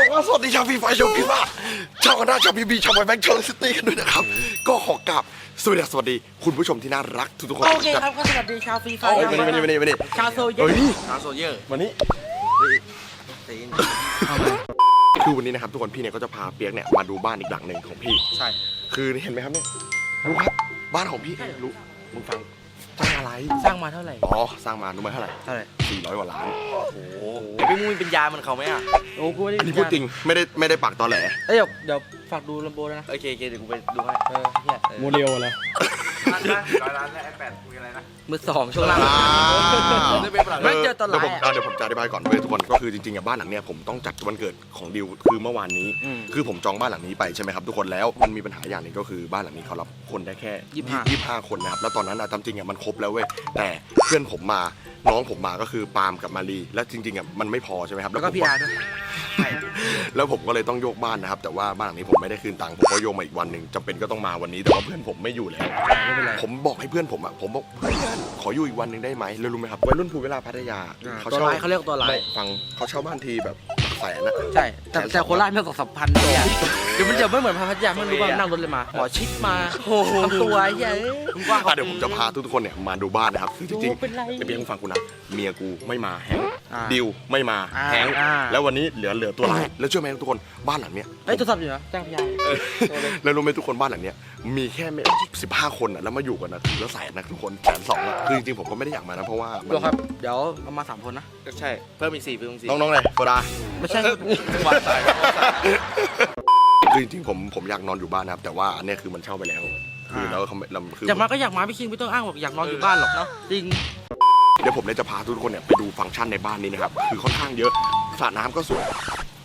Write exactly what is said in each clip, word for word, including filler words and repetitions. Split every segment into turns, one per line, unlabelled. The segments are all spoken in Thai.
ก็สวัสดีชาวฟีไฟชาวพี่บ้าชาวคณะชาวพีบีชาวไวแบงค์ชาวซิตี้กันด้วยนะครับก็ขอกราบสวัสดีสวัสดีคุณผู้ชมที่น่ารักทุกๆคน
โอเคครับก็สวัสดีชาวฟีไฟ
มานี่มานี่มานี่มานี่
ชาวโซเยอร์
ชาวโซเยอร์มานี่คือวันนี้นะครับทุกคนพี่เนี่ยก็จะพาเปียกเนี่ยมาดูบ้านอีกหลังหนึ่งของพี่ใช่คือเห็นไหมครับเนี่ยรู้ครับบ้านของพี่รู้มึงฟังสร้างอะไร
สร้างมาเท่าไหร่
อ๋อสร้างมารู้ไหมเท่าไหร่
เท่าไหร่
สี่ร้อยกว่าล้าน
โอ้โหพี่มุ้ยเป็นยาเหมือนเขาไหมอ่ะโอ้กูไม่ได้
อันนี้พูดจริงไม่ได้ไม่ได้ปากตอแหล
เดี๋ยวเดี๋ยวฝากดูลำโบนะ
โอเคโอเคเดี๋ยวกูไปดูให้
เออเนี่ย
โมเดลอะไร
ร้อยล้านและไอแปดคุยอะไรนะ
มือสองช่วงล่างไม่เจอตอนไหน
เดี๋ยวผมจะอธิบายก่อนเว้ยทุกคนก็คือจริงๆอะบ้านหลังเนี้ยผมต้องจัดวันเกิดของดิวคือเมื่อวานนี้คือผมจองบ้านหลังนี้ไปใช่ไหมครับทุกคนแล้วมันมีปัญหาอย่างหนึ่งก็คือบ้านหลังนี้เขารับคนได้แค่ยี่สิบห้าคนนะครับแล้วตอนนั้นอะตามจริงอะมันครบแล้วเว้ยแต่เพื่อนผมมาน้องผมมาก็คือปาล์มกับมารีแล้วจริงๆอะมันไม่พอใช่ไหมครับ
แล้วก็พี่อาร์ด้วย
แล้วผมก็เลยต้องโยกบ้านนะครับแต่ว่าบ้านหลังนี้ผมไม่ได้คืนตังค์ผมก็โยกมาอีกวันหนึ่งจำเป็นก็ต้องมาวันนี้แต่ว่าเพื่อนผมไม่อยู่แล้วผมบอกให้เพื่อนผมอ่ะผมบอกเพื่อนขออยู่อีกวันหนึ่งได้ไหมแล้วรู้ไหมครับวัยรุ่นภูเวลาพัทยา
เขาเช่าเขาเรียกตัวไลน์
ฟังเขาเช่าบ้านทีแบบแสนนะ
ใช่แต่แต่โคราชไม่สองสามพันเนี่ยเดี๋ยวมันจะไม่เหมือนพัทยาไม่รู้ว่านั่งรถเลยมาหมอชิดมาทำตัวใหญ่
กว้างเดี๋ยวผมจะพาทุกคนเนี่ยมาดูบ้านนะครับคือจริงๆไอ้เพียงฟังกูนะเมียกูไม่มาแฮงดิวไม่มาแฮงแล้ววันนี้เหลือเหลือตัวไลน์แล้วเชื่อไหมทุกคนบ้านหลังเนี้ย
ไอ้ตัวสับอยู่นะจ้างพี่ยา
แล้วรู้ไหมทุกคนบ้านหลังเนี้ยมีแค่ไม่สิบห้าคนอ่ะแล้วมาอยู่กันนะแล้วแสนนะทุกคนแสนสองอะคือจริงๆผมก็ไม่ได้อยากมานะเพราะว่า
ครับเดี๋ยวเรามาสามคนนะ
ใช่เพิ่มอีกสี่เพิ่มอีกสี่
น้องๆเลยโซดา
ไม่ใช่
วันตาย
คือจริงๆผมผมอยากนอนอยู่บ้านนะครับแต่ว่าอันนี้คือมันเช่าไปแล้วคือแล้วเขาเราคือ
อยากมาก็อยากมาพี่คิงไม่ต้องอ้างบอกอยากนอนอยู่บ้านหรอกเนาะจริง
เดี๋ยวผมเนี่ยจะพาทุกคนเนี่ยไปดูฟังก์ชันในบ้านนี้นะครับคือค่อนข้างเยอะสระน้ำก็สวย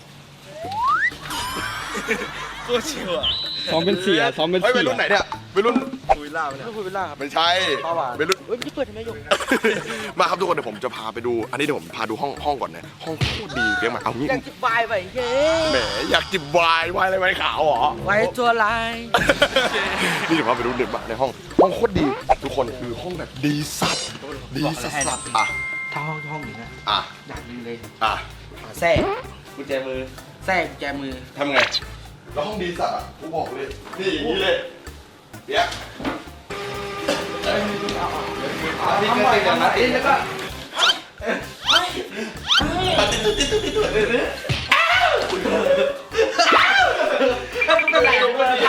ตัวชิวอ่ะ
ซ้อมเป็นเสียซ้อมเป็นเสีย
ไปรุ่นไหนเนี่ยไปรุ่น
คุยล่าเนี่ย
คุยเวลาครับ
ไม่ใช่ไปรุ่น
เฮ้ยพี่เปิดทำไมยก
มาครับทุกคนเดี๋ยวผมจะพาไปดูอันนี้เดี๋ยวผมพาดูห้องห้องก่อนนะห้องโคตรดีเรียกมาเอางี้
อยากจิบวายไปเย้
แหมอยากจิบวายวายอะไรไว้ขาวเหรอ
ไว้ตัวลาย
นี่เดี๋ยวพาไปดูเด็กบ้านในห้องห้องโคตรดีทุกคนคือห้องแบบดีสัตว์ดีสัตว์อ่ะ
ถ้าห้องห้องนี้นะ
อ่ะ
อยากดีเลย
อ่ะ
แซ่
กุญแจมือ
แซ่กุญแจมือ
ทำไงแล้วห้องดีสัตว์อ่ะกูบอกเลยนี่อย่างนี้เลยเดี๋ยว
นี่ก็ติดกันนะติดแล้วก็
ติดติดติดติดติดเลยเนี่ย
เป็นไรวะ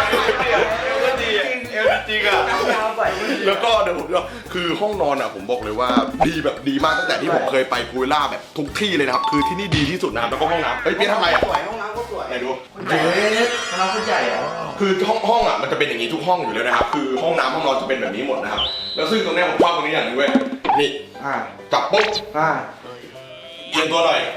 จริงอ่ะแล้วก็เดี๋ยวผมจะคือห้องนอนอ่ะผมบอกเลยว่าดีแบบดีมากตั้งแต่ที่ผมเคยไปกูล่าแบบทุกที่เลยนะครับคือที่นี่ดีที่สุดนะครับแล้วก็ห้องน้ำเฮ้ยเปี๊ยกทำไมอ่ะ
สวยห้องน้ำก็สวย
ไหนดู
เจ๊ห้องน้ำก็ใหญ่อ่ะ
คือห้องห้องอ่ะมันจะเป็นอย่างนี้ทุกห้องอยู่แล้วนะครับคือห้องน้ำห้องนอนจะเป็นแบบนี้หมดนะครับแล้วซึ่งตรงนี้ผมชอบตรงนี้อย่างนึงเว้ยนี่จับปุ๊บเอียงตัวหน่อย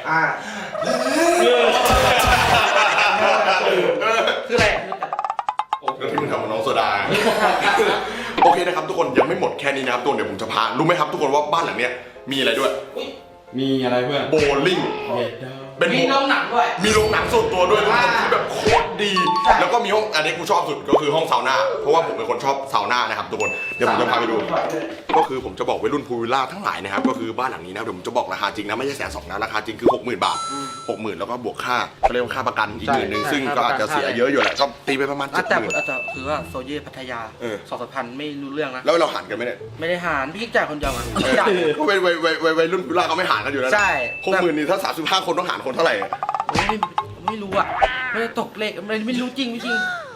คืออะไร
แล้วที่มึงทำกับน้องโซดาโอเคนะครับทุกคนยังไม่หมดแค่นี้นะครับตัวเดี๋ยวผมจะพารู้ไหมครับทุกคนว่าบ้านหลังเนี้ยมีอะไรด้วย
มีอะไรเพื่อน
โบลิ่ง
เป็นมีโรงหนังด้วย
มีโรงหนังส่วนตัวด้วยทุกคนที่แบบโคตรดีแล้วก็มีห้องอันนี้กูชอบสุดก็คือห้องซาวน่าเพราะว่าผมเป็นคนชอบซาวน่านะครับทุกคนเดี๋ยวผมจะพาไปดูก็คือผมจะบอกวัยรุ่นพูลวิลล่าทั้งหลายนะครับก็คือบ้านหลังนี้นะเดี๋ยวผมจะบอกราคาจริงนะไม่ใช่แสนสองนะราคาจริงคือหกหมื่นบาทหกหมื่นแล้วก็บวกค่าเขาเรียกว่าค่าประกันอีกหมื่นนึงซึ่งก็อาจจะเสียเยอะอยู่แหละก็ตีไปประมาณเจ็ดหมื่น
แต่คือว่าโซเย่พัทยาสองสามพันไม่รู้เรื่องนะ
แล้วเราหารกันไหมเนี่ย
ไม่ได้หารพี่จ่ายคนเดียวอ่ะ
เพราะวัยวัยวัยวัยรุ่นพูลวิลล่าเขาไม่หารกันอยู่แล้ว
ใช่
หกหมื่นนี่ถ้าสามสิบห้าคนต้องหารคนเท่าไหร่
ไม่ไม่รู้อ่ะไม่ได้ตกเลขไม่ไม่รู้จริงไม่จริง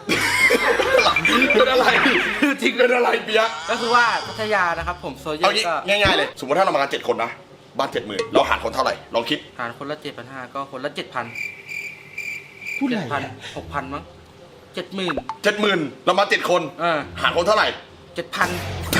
เป็นอะไรจริงเป็นอะไรเปียก
ก็คือว่าพัทยานะครับผมโซเย่
ก็ง่ายๆเลยสมมติถ้าเรามาเจ็ดคนนะบ้านเจ็ดหมื่นเราหารคนเท่าไหร่ลองคิด
หารคนละเจ็ดพันห้าก็คนละเจ็ดพัน
พูดอะไร
พันหกพันมั้งเจ็ดหมื่น
เจ็ดหมื่นเรามาเจ็ดคนหารคนเท่าไหร่
เจ็ดพัน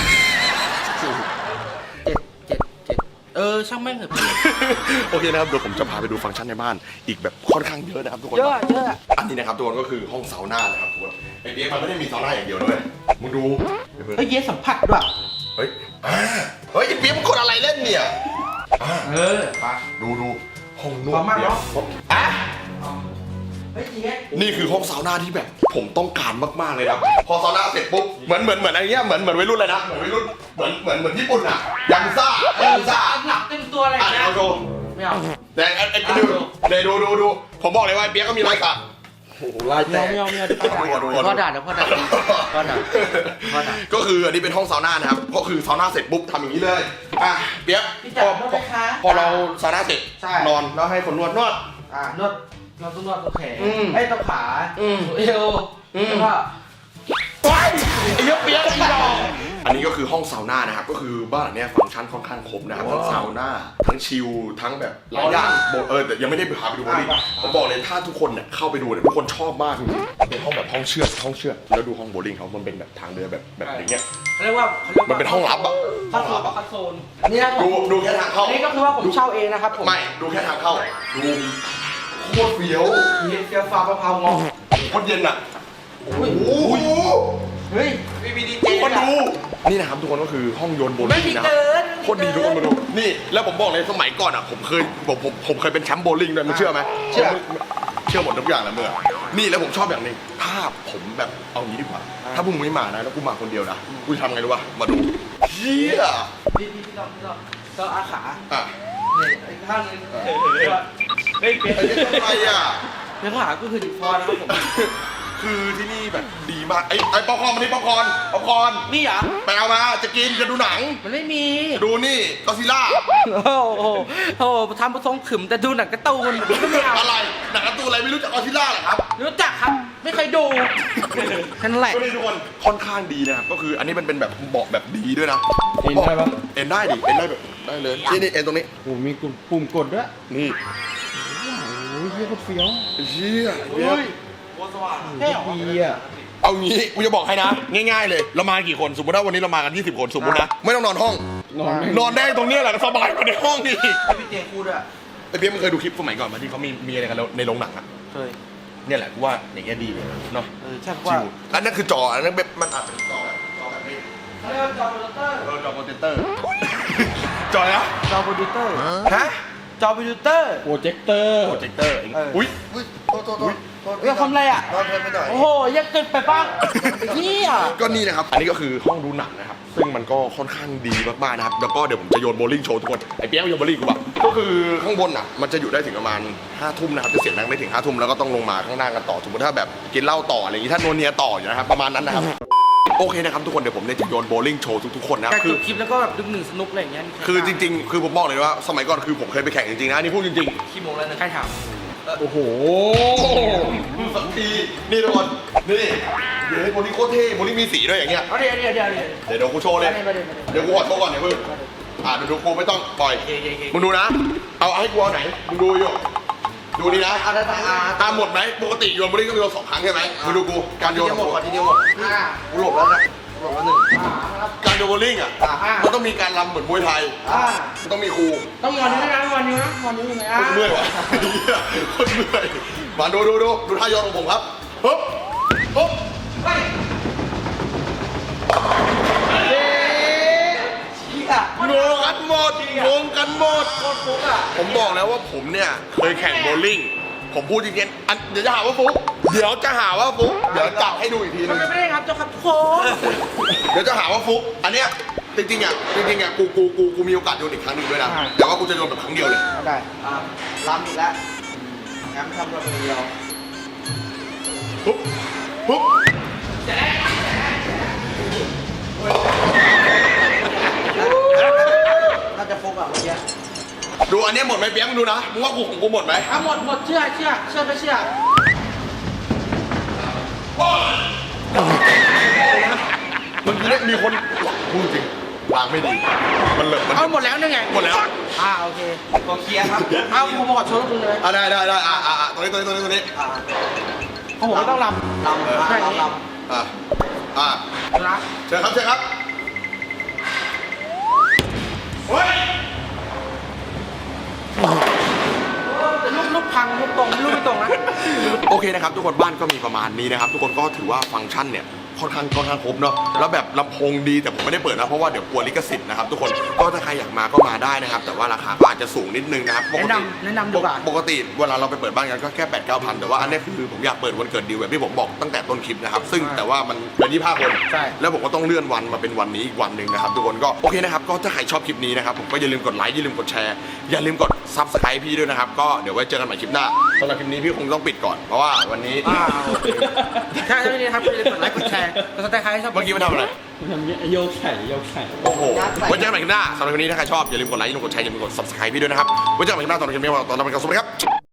เออช่างแม่งเถอะ
โอเคนะครับเดี๋ยวผมจะพาไปดูฟังก์ชันในบ้านอีกแบบค่อนข้างเยอะนะครับทุกคน
เยอะเยอะ
อันนี้นะครับทุกคนก็คือห้องซาวน่านะครับทุกคนไอเดียมันไม่ได้มีซาวน่าอย่างเดียวด้วยมึงดู
เฮ้ยเยสัมผัสด้วย
เฮ้ยเฮ้ยไอเปี๊ยกมันกดอะไรเล่นเนี่ย
เออปะ
ดูดูห้องนวด
เนี่ยอ่ะ
นี่คือห้องซาวน่าที่แบบผมต้องการมากๆเลยครับพอซาวน่าเสร็จปุ๊บเหมือนเหมือนเหมือนอะไรเงี้ยเหมือนเหมือนวัยรุ่นเลยนะเหมือนวัยรุ่นเหมือนเหมือนเหมือนญี่ปุ่นอ่ะยังซ่ายังซ่า
หนักเต็มตัวอะไร
เงี้ยเอาดู
ไม่เอา
แต่ไอ้ไอ้ดูเดี๋ยวดูดูดูผมบอกเลยว่าไอ้เปียกก็มีรอยสักโอ้โหลายแต
ไม่
ก
เอาไม่เอาไม่เอา
ดู
เดี๋ยว
ก่อนดูก่อน
พ่อด่าเดี๋ยวพ่อด่าพ่อด่าพ่อด่า
ก็คืออันนี้เป็นห้องซาวน่านะครับก็คือซาวน่าเสร็จปุ๊บทำอย่างนี้เลยอ่ะเปียก
พี่
พ
จ๋า
อ
นวดไหมคะ
พอเราซาวน่าเสร็จ
ใช่
นอนแล้วให้คนนวดนวด
อ่านวดเราต้องนวดตรงแขน
อืม
ไอ้ตรงขา
อืม
เอว
อืม
แล้วก็
ไปไอ้เหี้ยเปียกอีดอกอันนี้ก็คือห้องซาวน่านะครับก็คือบ้านหลังเนี้ยฟังก์ชันค่อนข้างครบนะครับทั้งซาวน่าทั้งชิลทั้งแบบหลายอย่างบอกเออแต่ยังไม่ได้พาไปดูบอลลี่ผมบอกเลยถ้าทุกคนเนี่ยเข้าไปดูเนี่ยทุกคนชอบมากจริงๆเป็นห้องแบบห้องเชือดห้องเชือดแล้วดูห้องโบลิ่งเขามันเป็นแบบทางเดินแบบแบบอย่างเงี้ย
เขาเรียกว่าขารียกว่า
มันเป็นห้องลับอะ
ห้องลับอะคัสโซนอันนี้นะ
ดูดูแค่ทางเข้า
อันนี้ก็คือว่าผมเช่าเองนะครับผม
ไม่ดูแค่ทางเข้าดูโคตรเฟี้ยว
เฟี้ยวฟ้าวมะพร้าวงอก
โคตรเย็นอ่ะโอ้โห
เฮ้ย
มีมีดีเจ
คนดูนี่นะครับทุกคนก็คือห้องโยนโบ
ไม่
ลิ่ง
มี
นะ
เกิน
โคตรดีทุกคนมาดูนี่แล้วผมบอกเลยสมัยก่อนอ่ะผมเคยผมผมผมเคยเป็นแชมป์โบลิ่งด้วยมึงเชื่อไหมเชื่อเชื่อหมดทุกอย่างแหละเมื่อนี่แล้วผมชอบอย่างหนึงถ้าผมแบบเอางี้ดีกว่าถ้าพวกมึงไม่มานะแล้วกูมาคนเดียวนะกูจะทำไงรู้ป่ะมาดูเฮีย
พี่พี่พี่ลองพี่ลองก็อาขา
อ่ะ
เนี่ยอีกข้างนึง
เฮ้ยเปียก
ไอ้นี่ทำไมอ่ะ
แล้วขาก็คือดิฟอนะครับผม
คือที่นี่แบบดีมากไอ้ไอ้ป๊อปคอร์นมานี่ป๊อปคอร์นป๊อปคอร์น
นี่เหรอ
ไปเอามาจะกินจะดูหนัง
มันไม่มี
ดูนี่ก็ซิล่า
โอ้โหโอ้โหทำผสมขึมแต่ดูหนังการ์ตูนก็ไม่เอา
อะไรหนังการ์ตูนอะไรไม่รู้จักก็ซิล่าเหรอครับ
รู้จักครับ ไม่เคยดูแค่นั้นแหละ
ก็นี่ทุกคนค่อนข้างดีนะครับก็คืออันนี้มันเป็นแบบเบาะแบบดีด้วยนะ
เอ็นได้ปะ
เอ็นได้ดิเอ็นได้แบบได้เลยนี่นี่เอ็นตรงนี้
โอ้มีปุ่มกดด้วย
นี่
โอ้ยเฮียโคตรเฟี้ยว
เชี่ย
เฮ้ยใช่เหรอ
ดีอ่ะ
เอางี้กูจะบอกให้นะ ง่ายๆเลยเรามากี่คนสมมติว่าวันนี้เรามากันยี่สิบคนสมมตินะไม่ต้องนอนห้อง
นอนไม่
นอนได้ตรงเนี้ยแหละสบายกว่าในห้องนี่
ให้พี่เจพูดด้วย
ไอ้เพี้ยมึงเคยดูคลิปสมัยก่อนมาที่เขามีมีอะไรกันในโรงหนังอะ
เคย
เนี่ยแหละกูว่าอย่างเงี้ยดีเลยเนาะ
เออใช่ว่า
ชิวอันนั้นคือจออันนั้นแบบมันอัดเป็นจอแบบจอแบบนี้
เขาเรียกว่าจอโปรดิวเตอร์
เออจอโปรเจคเตอร์ จอนะ
จอโปรดิวเตอร์
ฮะ
จอโปรดิวเตอร์
โปรเจคเตอร์
โปรเจคเตอร์
เออ
อุ้ย
อุ้ยโทษโทษโทษโทษ
เรื่องทำอะไรอ่ะ
โทษโทษไม่ได้
โอ้โหยังเกินไปบ้างนี่อ่ะ
ก็นี่นะครับ อันนี้ก็คือห้องดูหนังนะครับ ซึ่งมันก็ค่อนข้างดีมากๆนะครับ แล้วก็เดี๋ยวผมจะโยนโบว์ลิ่งโชว์ทุกคน ไอ้เปี๊ยกโยนโบว์ลิ่งกูแบบก็คือข้างบนอ่ะ มันจะอยู่ได้ถึงประมาณห้าทุ่มนะครับ จะเสียงดังได้ถึงห้าทุ่มแล้วก็ต้องลงมาข้างล่างกันต่อ สมมติถ้าแบบกินเหล้าต่ออะไรอย่างงี้ ถ้าโนวเนียต่ออยู่นะครับ ประมาณนั้นนะครับ โอเคนะครับทุกคน เดี๋ยวผมเนี่ยจะโยนโบว์ลิ่งโชว์ทุกๆคนนะ
การ
คื
จ
อ
บคลิปแล้วก็แบบดึงหนึ่งสนุกอะไรอย่างเงี้ย
คือจริงๆ คือผมบอกเลยว่าสมัยก่อนคือผมเคยไปแข่งจริงๆนะอันนี่พูดจริง
ขี้โมงแล้วนะใครถาม
โอ้โห
ๆสักทีนี่ทุกคนนี่เดี๋ยวโบลิ่งโคตรเท่โบลิ่งมีสีด้วยอย่างเงี้ย
เอาเดี๋ยวเดี๋ยวเดี๋ยวเดี๋ยว
เดี๋ยวเดี๋ยวกูโชว์เลย
มาเดี๋ยวมาเดี๋ยว
เดี๋ยวกูขอโทษก่อนเดี๋ยวมึงอ่าเดี๋ยวดูกูไม่ต้องปล่อย
โอเคโอเคโอเค
มึงดูนะ เอาให้กูเอาไหน มึงดูอยู่ ดูนี่นะ
เอาได้ไหมอ่า
ตามหมดไหม ปกติโยนบอลลี่ก็มีโยนสองครั้งใช่ไหมมึงดูกู การโยนของกู
ทีเดียวหมด
อ่า
กูหลบแล้วนะหลบแล้วหนึ่ง
อ่าครับ
การโยนบอลลิ่งอ่ะ
อ่าอ่ามั
มันต้องมีการรำเหมือนมวยไทย
อ่า
มันต้องมีครู
ต้องงอนนิ้วนะงอนนิ้วนะงอนนิ้วยังไงอ่ะ
คนเมื่อยวะคนเมื่อยมาดูดูดูดูท่าโยนของผมครับปึ๊บปึ๊บ
เฮ้ยเชี่ย
งงกันหมดงงกันหมด
โคตรฟุกอ่ะ
ผมบอกแล้วว่าผมเนี่ยเคยแข่งโบว์ลิ่ง ผมพูดจริงๆอันเดี๋ยวจะหาว่าฟุก เดี๋ยวจะหาว่าฟุก เดี๋ยวจับให้ดูอีกทีนึ
มัน
ง
ไม่ได้ครับเจ้าครับทุกคน
เดี๋ยวจะหาว่าฟุก อันเนี้ยจริงๆอ่ะจริงๆอ่ะกูกูกูกูมีโอกาสโยนอีกครั้งหนึงด้วยนะ แต่ว่ากูจะโยนแบบครั้งเดียวเลย
ได้อ่าลำอีกแล้วงั้นทำตัวคนเดียว
ปุ๊บปุ๊บ
น่าจะฟุกอ่ะเมื่อกี้
ดูอันเนี้ยหมดไหมเปี๊ยกมึงดูนะ มึงว่ากูของกูหมดไหม
อ่ะหมดหมดเชื่อเชื่อเชื่อไม่เชื่อ
เมื่อกี้เนี่ยมีคนพูดจริงวางไม่ดี มันเหลิกมัน
เอาหมดแล้วนี่ไง
หมดแล้ว
อ่าโอเคขอเคลียร์ครับเอาผมขอโชว์คุณเลย
อ่ะได้ได้ได้อ่ะอ่ะอ่ะตรงนี้ตรงนี้ตรงนี้ตรงนี้
ของผมไม่ต้องลำลำใช่ลำ
อ่ะอ่ะ
นะ
เชิญครับเชิญครับเฮ้ย
แต่ลูกลูกพังลูกตรงลูกไม่ตรงนะ
โอเคนะครับทุกคนบ้านก็มีประมาณนี้นะครับ ทุกคนก็ถือว่าฟังก์ชันเนี่ยค่อนข้างค่อนข้างครบเนาะแล้วแบบลำโพงดีแต่ผมไม่ได้เปิดนะเพราะว่าเดี๋ยวกลัวลิขสิทธิ์นะครับทุกคนก็ถ้าใครอยากมาก็มาได้นะครับแต่ว่าราคาก็อาจจะสูงนิดนึงนะครับปก
แนะ
ติ
นำแนะนำดีกว่า
ปกติเวลาเราไปเปิดบ้านกันก็แค่แปดเก้าพันแต่ว่าอันนี้คือผมอยากเปิดวันเกิดดิวแบบที่ผมบอกตั้งแต่ต้นคลิปนะครับซึ่งแต่ว่ามันเกินยี่สิบห้าคน
ใช่
แล้วผมก็ต้องเลื่อนวันมาเป็นวันนี้อีกวันหนึ่งนะครับทุกคนก็โอเคนะครับก็ถ้าใครชอบคลิปนี้นะครับผมก็อย่าลืมกดไลค์อย่าลืมกดแชร์อย่าลืมกดซับสไครป์พี่ด้วยนะครับก็เดี๋ยวไว้เจอกันใหม่คลิปหน้าสำหรับคลิปนี้พี่คงต้องปิดก่อนเพราะว่าวันนี้
อ้าวใช่ไม่ได้ครับอย่าลืมกดไลค์กดแชร์กดซับสไครต์ชอบ
เมื่อกี้มันทำอะไร
ทำเงี้ยโยกไข่โยกไข่
โอ้โหไว้เจอกันใหม่คลิปหน้าสำหรับคลิปนี้ถ้าใครชอบอย่าลืมกดไลค์อย่าลืมกดแชร์อย่าลืมกด ซับสไครป์ พี่ด้วยนะครับไว้เจอกันใหม่คลิปหน้าตอนนี้คลิปนี้ตอนนี้เป็นการสวัสดีครับ